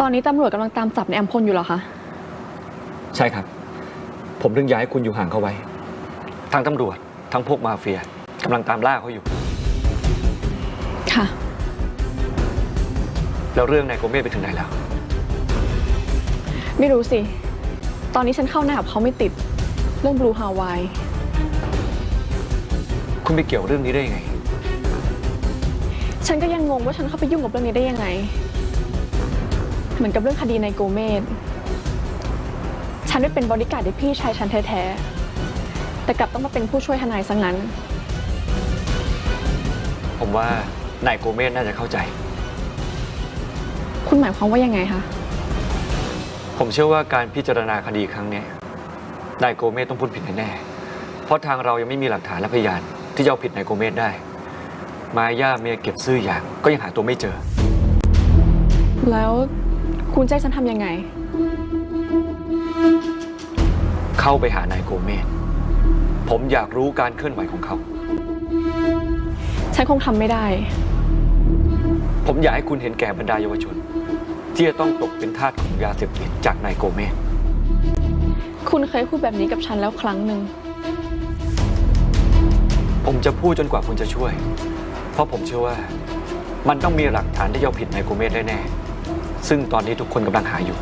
ตอนนี้ตำรวจกำลังตามจับในอัมพลอยู่เหรอคะใช่ครับผมถึงย้ายคุณอยู่ห่างเขาไว้ทั้งตำรวจทั้งพวกมาเฟียกำลังตามล่าเขาอยู่ค่ะแล้วเรื่องนายโกเมสไปถึงไหนแล้วไม่รู้สิตอนนี้ฉันเข้าหน้ากับเขาไม่ติดเรื่องบลูฮาวายคุณไปเกี่ยวเรื่องนี้ได้ยังไงฉันก็ยังงงว่าฉันเข้าไปยุ่งกับเรื่องนี้ได้ยังไงเหมือนกับเรื่องคดีนายโกเมสฉันได้เป็นบอดี้การ์ดให้พี่ชายฉันแท้ๆแต่กลับต้องมาเป็นผู้ช่วยทนายซะงั้นผมว่านายโกเมสน่าจะเข้าใจคุณหมายความว่ายังไงคะผมเชื่อว่าการพิจารณาคดีครั้งนี้นายโกเมสต้องพูดผิดแน่ๆเพราะทางเรายังไม่มีหลักฐานและพยานที่จะเอาผิดนายโกเมสได้มาย่าเมียเก็บซื่ออย่างก็ยังหาตัวไม่เจอแล้วคุณใจฉันทำยังไงเข้าไปหานายโกเมสผมอยากรู้การเคลื่อนไหวของเขาฉันคงทำไม่ได้ผมอยากให้คุณเห็นแก่บรรดาเยาวชนที่จะต้องตกเป็นทาสของยาเสพติดจากนายโกเมสคุณเคยพูดแบบนี้กับฉันแล้วครั้งหนึ่งผมจะพูดจนกว่าคุณจะช่วยเพราะผมเชื่อว่ามันต้องมีหลักฐานที่จะเอาผิดนายโกเมสได้แน่ซึ่งตอนนี้ทุกคนกำลังหาอยู่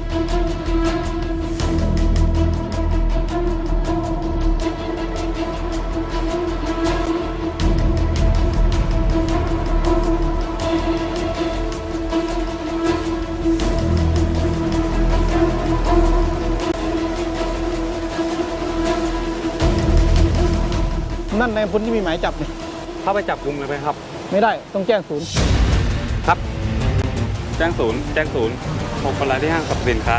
นั่นในพลที่มีหมายจับเนี่ยเข้าไปจับกุมเลยไหมครับไม่ได้ต้องแจ้งศูนย์ครับแจ้งศูนย์6 คนร้ายที่ห้างสรรพสินค้า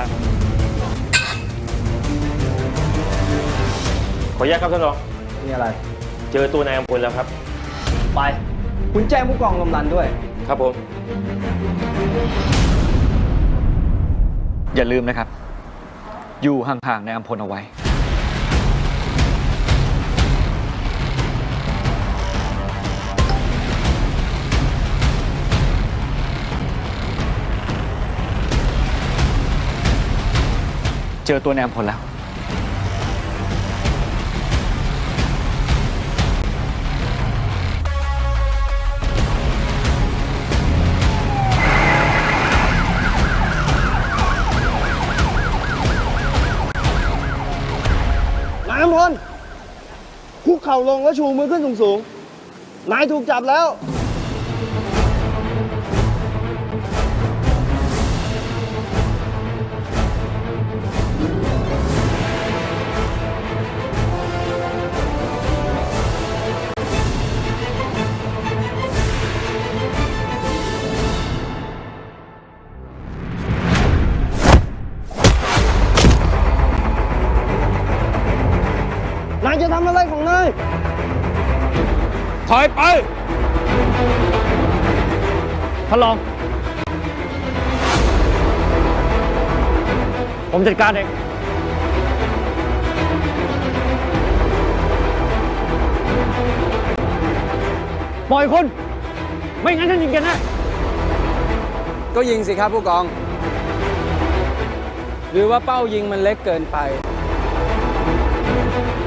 ขออนุญาตครับท่านรองมีอะไรเจอตัวนายอัมพลแล้วครับไปคุณแจ้งผู้กองกำนันด้วยครับผมอย่าลืมนะครับอยู่ห่างๆนายอัมพลเอาไว้เจอตัวนายอัมพลแล้วนายอัมพลคุกเข่าลงแล้วชูมือขึ้นสูงๆนายถูกจับแล้วนายจะทำอะไรของนายถอยไปท่านรองผมจัดการเองปล่อยคนไม่งั้นฉันยิงแกแน่ก็ยิงสิครับผู้กองหรือว่าเป้ายิงมันเล็กเกินไป